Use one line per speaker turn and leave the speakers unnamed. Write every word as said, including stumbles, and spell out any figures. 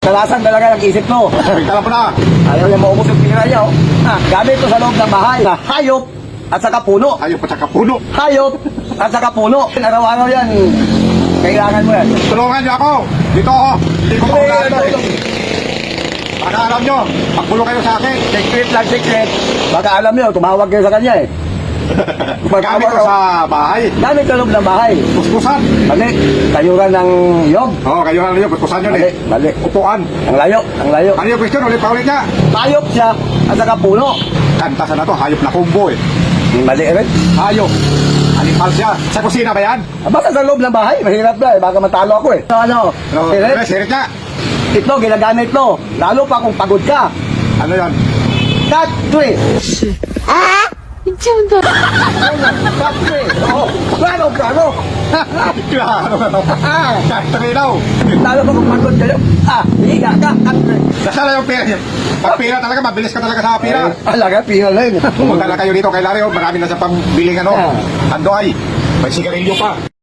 Kalasan talaga ng isip mo.
Kala mo na.
Ayaw niya maubos yung pira niya. Oh. Ah, gamit ko sa loob ng bahay. Na hayop at saka puno.
Ayaw pa saka puno.
Hayop at saka puno. Araw-araw yan. Kailangan mo yan.
Tulungan niyo ako. Dito ako. Hindi ko makulala. Baka alam nyo, pagbulo kayo sa akin.
Secret lang, secret. Baka alam niyo, tumawag kayo sa kanya eh.
Gamit ko sa bahay.
Gamit sa loob ng bahay.
Puspusan.
Mali. Kayuran ng yog.
Oo, oh, kayo lang yun. Puspusan yun
Mali.
eh.
Mali.
Upuan.
Ang layo. Ang layo.
Ano yung question? Ulit pa ulit niya.
Hayop siya at saka puno.
Kantasan na to. Hayop na kumbo eh.
Mali rin.
Hayop. Animal siya. Sa kusina ba yan?
Ah, basta sa loob ng bahay. Mahirap na eh. Baka matalo ako eh. So, ano?
Ano?
Sirit?
Ano? Sirit niya.
Ito, ginagamit mo. Lalo pa kung pagod ka.
Ano yan?
Cut three.
미친다.
Cut three. Oh, plano, plano.
Klaro.
Ah,
Kaktabi daw.
lalo pa kung pagod kayo. Ah, higa ka. Cut three.
Nasaan na yung pera niya? Pag pera talaga, mabilis ka talaga sa pera.
Eh, alaga, pingal na yun.
Pumunta na kayo dito kay Larry. oh. Marami na sa pambiling ano.
Ah.
Ando ay. May sigarilyo pa.